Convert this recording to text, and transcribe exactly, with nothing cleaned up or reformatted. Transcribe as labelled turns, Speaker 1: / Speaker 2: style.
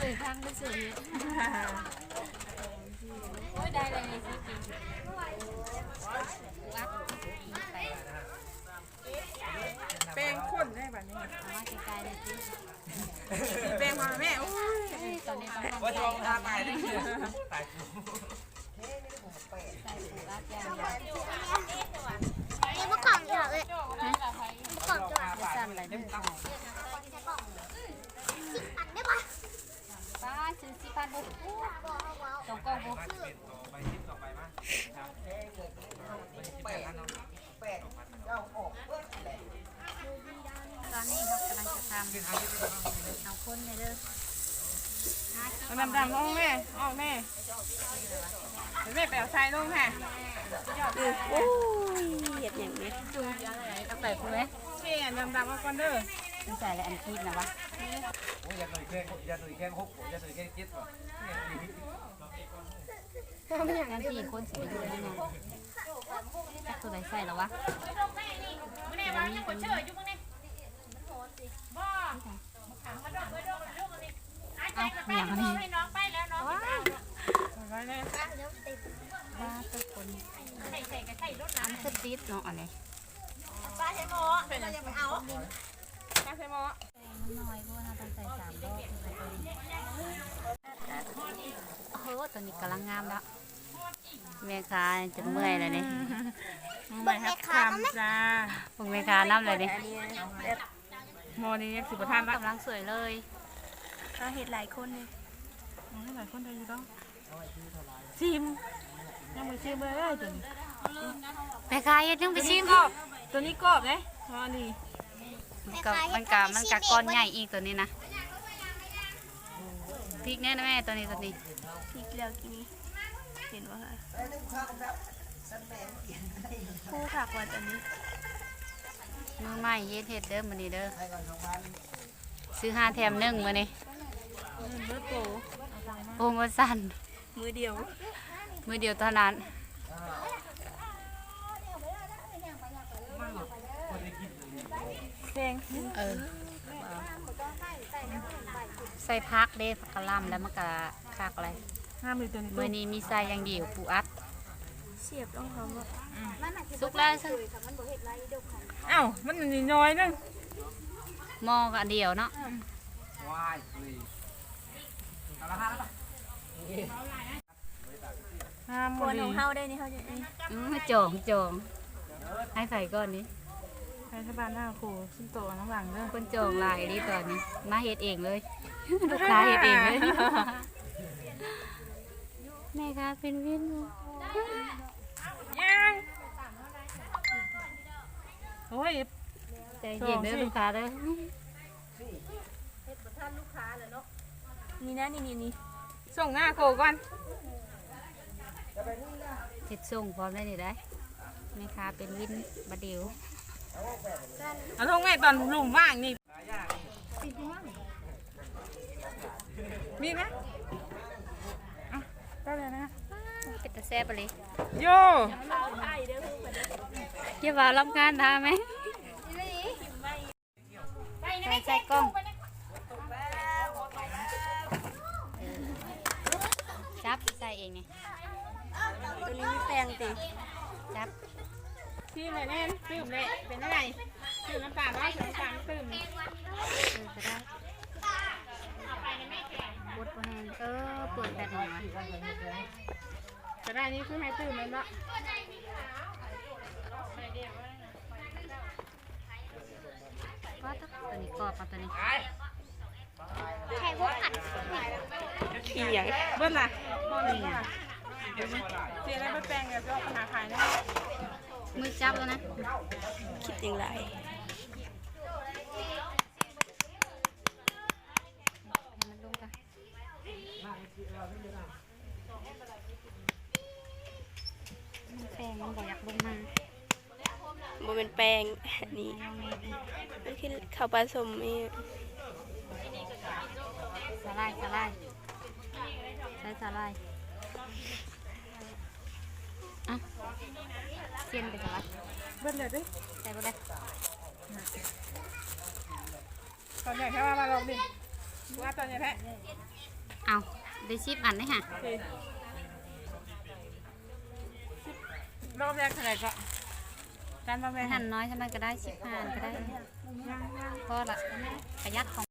Speaker 1: สื่อพังไปสื่อโอ้ยได้เลยสิกินวัด
Speaker 2: แป้งข้นได้แบบนี้
Speaker 1: เอาว่าไกลๆเลยสิ
Speaker 2: แป้งมาแม่โอ้ย
Speaker 1: ตอนนี้ต้อง
Speaker 3: ว่าจะลองทาไปได้ไหมตายกู
Speaker 1: ใส่ปูอัดยาง
Speaker 4: นี่เมื่อก่อนเหรอเลยเมื่อก่อนจะ
Speaker 1: จะสั่นอะไรด้วยค่ะ
Speaker 4: สิบอันได้ปะ
Speaker 1: ป้าซื้อสิพันบุกสองกล่องบุก
Speaker 3: ไปทิปต่อไปมั้ยครับแปดแปดเจ้าออกเพื่อนแหละ
Speaker 1: ตอนนี้เรากำลังจะทำเอาคนเลยเด้อ
Speaker 2: ดำดำๆลงแม่ออกแม่แม่แปลวใส่ลงค่ะ
Speaker 1: โอ้ยเหยียดอย่างนี้จุงอะไรต้องใส่คุณไหม
Speaker 2: เพี่ดำดำๆมาก่อนเด้อ
Speaker 1: ต้องใส่อะไรอันคีบนะวะ
Speaker 3: โอ้ยอย่าหนุ่ยแข้งอย่าหนุ่ยแข้งหกอย่าหนุ่ยแข้งเจ็ดก่อน
Speaker 1: อันที่คนสีเหลืองเนี่ยจักตัวไหนใส่หรอวะเอาอย่างนี้ว้าว
Speaker 2: ไว้เลย
Speaker 1: ว้าตัวคนอันสติดเนาะอะไร
Speaker 4: ป้าใช้โม่เราจะไปเอา
Speaker 2: ป้าใส่หม้อ
Speaker 1: มันน้อยเพราะว่าเราต้องใส่สามรอบโอ้โหตอนนี้กำลังงามแล้วแม่ค้าจะเมื่อยเลยนี่
Speaker 2: ไม่ครับคำจ้า
Speaker 1: พวกแม่ค้าน้ำเลยนี่
Speaker 2: หม้อนี้สิบทานละ
Speaker 1: กำลังสวยเลย
Speaker 4: เราเห็นหลายคนเลย
Speaker 2: ให้หลายคนได้อยู่ต้องชิมยังไม่ชิมเลยตัวนี้
Speaker 1: แม่ค้าเฮ็ดยังไปชิม
Speaker 2: กรอบตัวนี้กรอบเลยหม้อนี้
Speaker 1: มันกะมันกะมันกะก้อนใหญ่อีกตัวนี้นะพริกแน่นะแม่ตัวนี้ตัวนี้
Speaker 4: พริกแล้วกินเห็นว่าค่ะผู้ผักวันอันนี้
Speaker 1: มือใหม่เฮ็ดเฮ็ดเด้อมื้อนี้เด้อซื้อห้าแถมหนึ่งมื้อนี้
Speaker 2: เบอร์โป
Speaker 1: โปรโมชั่น
Speaker 4: มือเดียว
Speaker 1: มื้อเดียวเท่านั้น
Speaker 2: แพง
Speaker 1: เออใส่พักเด้ผักกะหล่ำแล้วมันก็คักอะไร
Speaker 2: ห้ามือตัวนี้
Speaker 1: มื้อนี้มีใส่อย่างเดียวปูอัด
Speaker 4: เสียบต้องเขาแบบ
Speaker 1: สุกแล้วซึ่ง
Speaker 2: อ้าวมันน้อยนึง
Speaker 1: หม้อก็อันเดียวเนาะ
Speaker 3: วายเลยเอาละห้าแล้วป่ะ
Speaker 2: ห้า
Speaker 4: ค
Speaker 2: มือน
Speaker 4: ของเฮาได้นี่เขาจะ
Speaker 1: อือจองจองให้ใส่ก่อนนี้
Speaker 2: ใครที่บ้านหน้าครูชิ้นโตน้ำหลังเด้อ
Speaker 1: คนจองหลายดีตอนนี้มาเฮ็ดเองเลย ลูกค้าเฮ็ดเองเลยแม่ค้าเป็นวิน
Speaker 2: ยังโอ้ย
Speaker 1: ใจเย็นเด้อลูกค้าเด้อ
Speaker 4: นี่นะนี่นี่นี่
Speaker 2: ส่งหน้าโคก่อน
Speaker 1: เฮ็ดส่งพร้อมได้นี่ได้แม่ค้าเป็นวินบะเดียว
Speaker 2: เอาลงแม่ตอนหลุมว่างนี่มีไหมอ่ะได้เลยนะ
Speaker 1: เป็นตาแซ่บไปเลย
Speaker 2: โย
Speaker 1: เกี่ยวว่ารับงานทาไหมใส่ใส่กล้องจับใส่เองนี่
Speaker 4: ตัวนี้มีแปลงติ
Speaker 1: จับ
Speaker 2: ที่ไหนแน่นตื่มเลยเป็นอะไรตื่มน้ำตาลร้อยน้ำตาลตื่ม
Speaker 1: เออก็ได้บดพอแห้งเออเปิดแบบนี้วะ
Speaker 2: จะได้นี่คือให้ตื่มเลยเนาะ
Speaker 1: ก็ต้องตัวนี้กรอบเอาตัวนี้
Speaker 4: แข่งพวกผัด
Speaker 2: ขี้อย่างเบิ้ลล่ะพ่อหนึ่งล่ะเดี๋ยวนะเจ๊ได้ไปแปลงเดี๋ยวจะเอาปัญหาขายนะ
Speaker 1: มือจับแล้วนะ
Speaker 4: คิดอย่างไร
Speaker 1: ให้มันลงกันแป้งมันบอกอยากลงมา
Speaker 4: มันเป็นแปลงนี่มันคือข้าวปลาสมนี่
Speaker 1: สาลายสาลายใส่สาลายอ่ะเส้นไปสาลาย
Speaker 2: เบิ้ลเลยดิ
Speaker 1: ใส่ไปเลย
Speaker 2: ตอนใหญ่แค่ว่ามาลองดิว่าตอนใหญ่แพ้
Speaker 1: เอาได้ชิปอันนี่ค่ะ
Speaker 2: รอบแรกเท่าไหร่ก็การรอบแรก
Speaker 1: หั่นน้อยใช่ไหมก็ได้ชิปผ่านก็ได้พอละประหยัดของ